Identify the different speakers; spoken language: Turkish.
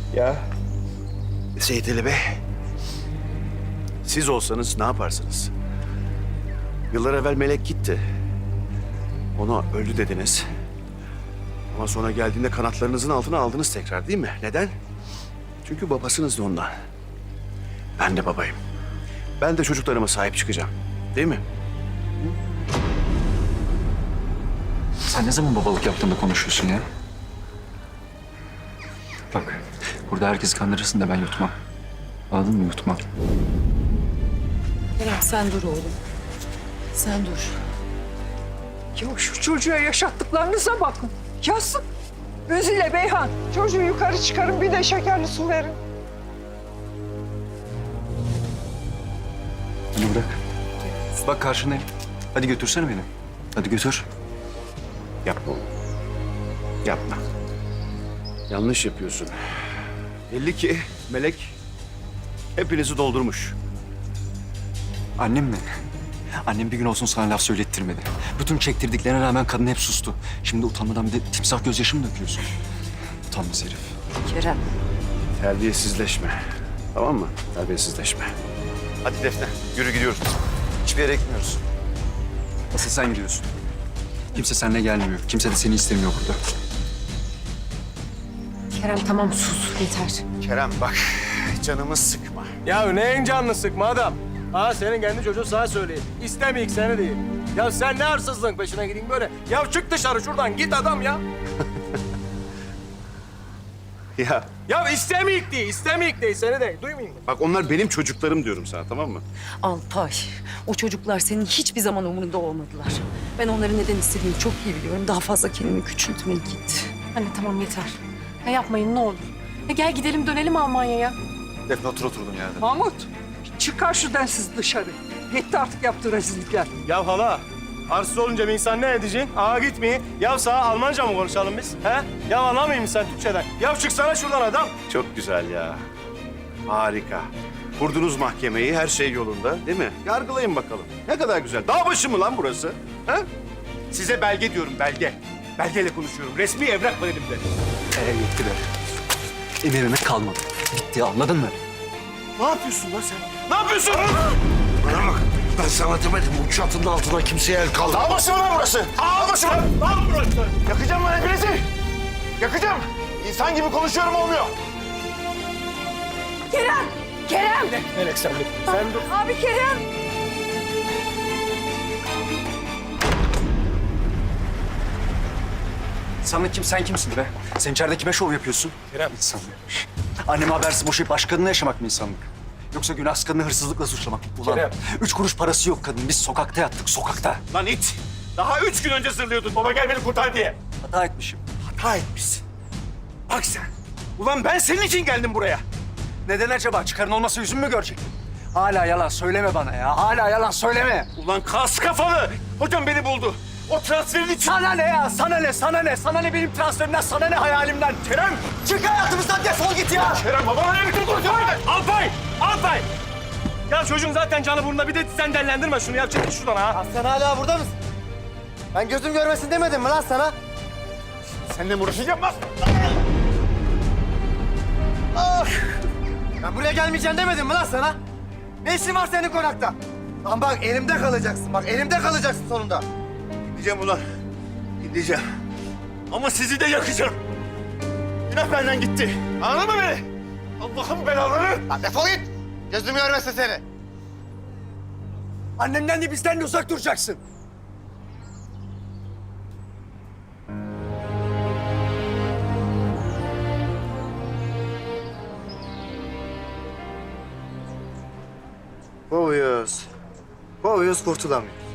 Speaker 1: Ya Seyit Ali Bey, siz olsanız ne yaparsınız? Yıllar evvel Melek gitti. Ona öldü dediniz. Ama sonra geldiğinde kanatlarınızın altına aldınız tekrar, değil mi? Neden? Çünkü babasınız da ondan. Ben de babayım. Ben de çocuklarıma sahip çıkacağım. Değil mi?
Speaker 2: Sen ne zaman babalık yaptığında konuşuyorsun ya? Bak, burada herkes kandırırsın da ben yutmam. Anladın mı? Yutmam.
Speaker 3: Kerem sen dur oğlum. Sen dur.
Speaker 4: Ya şu çocuğa yaşattıklarınıza bakın. Yazık. Özile Beyhan, çocuğu yukarı çıkarın, bir de şekerli su verin.
Speaker 2: Beni bırak. Bak karşındayım. Hadi götürsene beni. Hadi götür.
Speaker 1: Yapma oğlum. Yapma. Yanlış yapıyorsun. Belli ki Melek hepinizi doldurmuş.
Speaker 2: Annem mi? Annem bir gün olsun sana laf söylettirmedi. Bütün çektirdiklerine rağmen kadın hep sustu. Şimdi utanmadan bir de timsah gözyaşı mı döküyorsun? Utanmaz herif.
Speaker 3: Kerem.
Speaker 1: Terbiyesizleşme. Tamam mı? Terbiyesizleşme. Hadi Defne, yürü gidiyoruz. Hiçbir yere gitmiyoruz.
Speaker 2: Asıl sen gidiyorsun. Kimse seninle gelmiyor. Kimse de seni istemiyor burada.
Speaker 3: Kerem tamam sus yeter.
Speaker 1: Kerem bak, canımı sıkma.
Speaker 5: Ya neyin canını sıkma adam? Ha senin kendi çocuğun sana söyleyeyim. İstemeyik seni değil. Ya sen ne hırsızlığın peşine gideyim böyle? Ya çık dışarı şuradan git adam ya.
Speaker 1: Ya
Speaker 5: Ya istemeyik değil, istemeyik değil seni de. Duymayayım mı?
Speaker 1: bak, onlar benim çocuklarım diyorum sana, tamam mı?
Speaker 3: Alpay, o çocuklar senin hiçbir zaman umurunda olmadılar. Ben onların neden istediğini çok iyi biliyorum. Daha fazla kendimi küçültmeye git.
Speaker 6: Anne tamam yeter. Ya yapmayın ne olur. Ya gel gidelim dönelim Almanya'ya.
Speaker 2: Defne otur oturdun yerde.
Speaker 4: Mahmut, çıkar şu densiz dışarı. Yetti artık yaptığı rezillikler.
Speaker 5: Ya hala, arsız olunca bir insan ne edeceksin? Aa gitmeyin. Ya sağ Almanca mı konuşalım biz? He? Ya anlamayayım sen Türkçeden? Ya çıksana şuradan adam.
Speaker 1: Çok güzel ya. Harika. Kurdunuz mahkemeyi, her şey yolunda, değil mi? Yargılayın bakalım. Ne kadar güzel. Dağ başı mı lan burası? Ha? Size belge diyorum, belge. Belgeyle konuşuyorum. Resmi evrak var elimde.
Speaker 2: Yetti be. Emirime kalmadı. Bitti anladın mı?
Speaker 1: Ne yapıyorsun lan sen? Ne yapıyorsun?
Speaker 7: Bana bak, ben sana demedim bu çatının altına kimseye el kaldır.
Speaker 1: Dağ başı mı lan burası? Dağ başı mı? Lan burası. Yakacağım lan hepinizi. Yakacağım. İnsan gibi konuşuyorum, olmuyor.
Speaker 4: Kerem! Kerem!
Speaker 5: Melek sen dur. Sen dur.
Speaker 4: Abi Kerem!
Speaker 2: Sen kimsin be? Sen içeride kime şov yapıyorsun?
Speaker 5: Kerem.
Speaker 2: İnsanlıkmış. Anneme habersiz boşayıp başkadınla yaşamak mı insanlık? Yoksa günahsız kadını hırsızlıkla suçlamak mı? Ulan
Speaker 5: Kerem.
Speaker 2: 3 kuruş parası yok kadın. Biz sokakta yattık, sokakta.
Speaker 1: Lan it. Daha 3 gün önce zırlıyordun. Baba gel beni kurtar diye.
Speaker 2: Hata etmişim.
Speaker 1: Hata etmişsin. Bak sen. Ulan ben senin için geldim buraya.
Speaker 2: Neden acaba? Çıkarın olmasa yüzümü mü görecektin? Hala yalan söyleme bana ya. Hala yalan söyleme.
Speaker 1: Ulan kas kafalı. Hocam beni buldu. O transferin için...
Speaker 2: Sana ne ya? Sana ne? Sana ne? Sana ne benim transferimden? Sana ne hayalimden? Kerem! Çık hayatımızdan defol git ya!
Speaker 1: Kerem babana ne biçim konuşuyorsun?
Speaker 5: Alpay! Alpay! Ya çocuğun zaten canı burnunda bir de sen dellendirme şunu ya. Çekil şuradan ha.
Speaker 8: Sen hala burada mısın? Ben gözüm görmesin demedim mi lan sana?
Speaker 1: Seninle mi uğraşacağım lan?
Speaker 8: Ben buraya gelmeyeceğim demedim mi lan sana? Ne işin var senin konakta? Lan bak elimde kalacaksın, bak elimde kalacaksın sonunda.
Speaker 1: Gideceğim ulan. Gideceğim. Ama sizi de yakacağım. Günah benden gitti. Anladın mı beni? Allah'ın belaları.
Speaker 8: Lan defol git. Gözüm görmesin seni.
Speaker 2: Annemden de bizden de uzak duracaksın.
Speaker 8: Kovuyoruz. Kovuyoruz kurtulamıyoruz.